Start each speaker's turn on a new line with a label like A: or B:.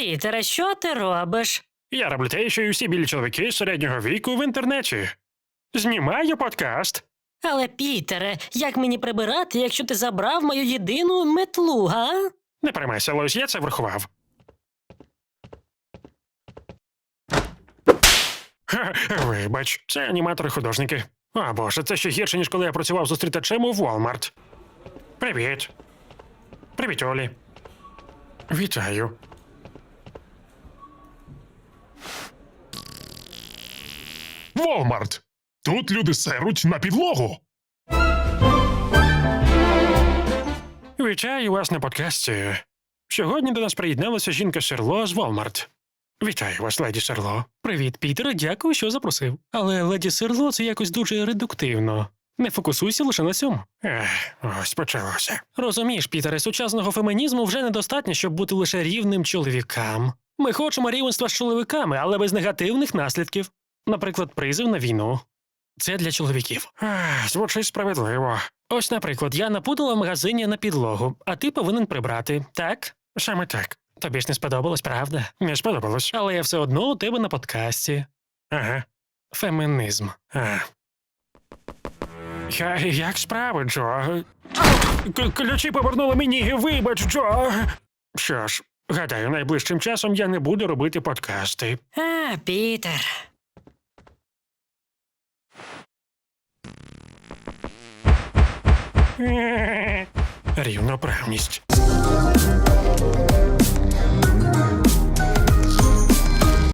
A: Пітере, що ти робиш?
B: Я роблю те, що й усі білі чоловіки середнього віку в інтернеті. Знімаю подкаст.
A: Але, Пітере, як мені прибирати, якщо ти забрав мою єдину метлу, га?
B: Не переймайся, Лось, я це врахував. Ха, вибач, це аніматори-художники. О боже, це ще гірше, ніж коли я працював зустрітачем у Walmart. Привіт. Привіт, Олі. Вітаю.
C: Walmart. Тут люди серуть на підлогу.
B: Вітаю вас на подкасті. Сьогодні до нас приєдналася жінка Серло з Walmart. Вітаю вас, леді Серло. Привіт, Пітер, дякую, що запросив. Але леді Серло це якось дуже редуктивно. Не фокусуйся лише на цьому. Ось почалося. Розумієш, Пітере, сучасного фемінізму вже недостатньо, щоб бути лише рівним чоловікам. Ми хочемо рівенства з чоловіками, але без негативних наслідків. Наприклад, призив на війну. Це для чоловіків. Звучить справедливо. Ось, наприклад, я напудила в магазині на підлогу, а ти повинен прибрати, так? Саме так. Тобі ж не сподобалось, правда? Не сподобалось. Але я все одно у тебе на подкасті. Ага. Фемінізм. Як справи, Джо? Ключі повернули мені, вибач, Джо. Що ж, гадаю, найближчим часом я не буду робити подкасти.
A: Пітер.
B: Рівноправність.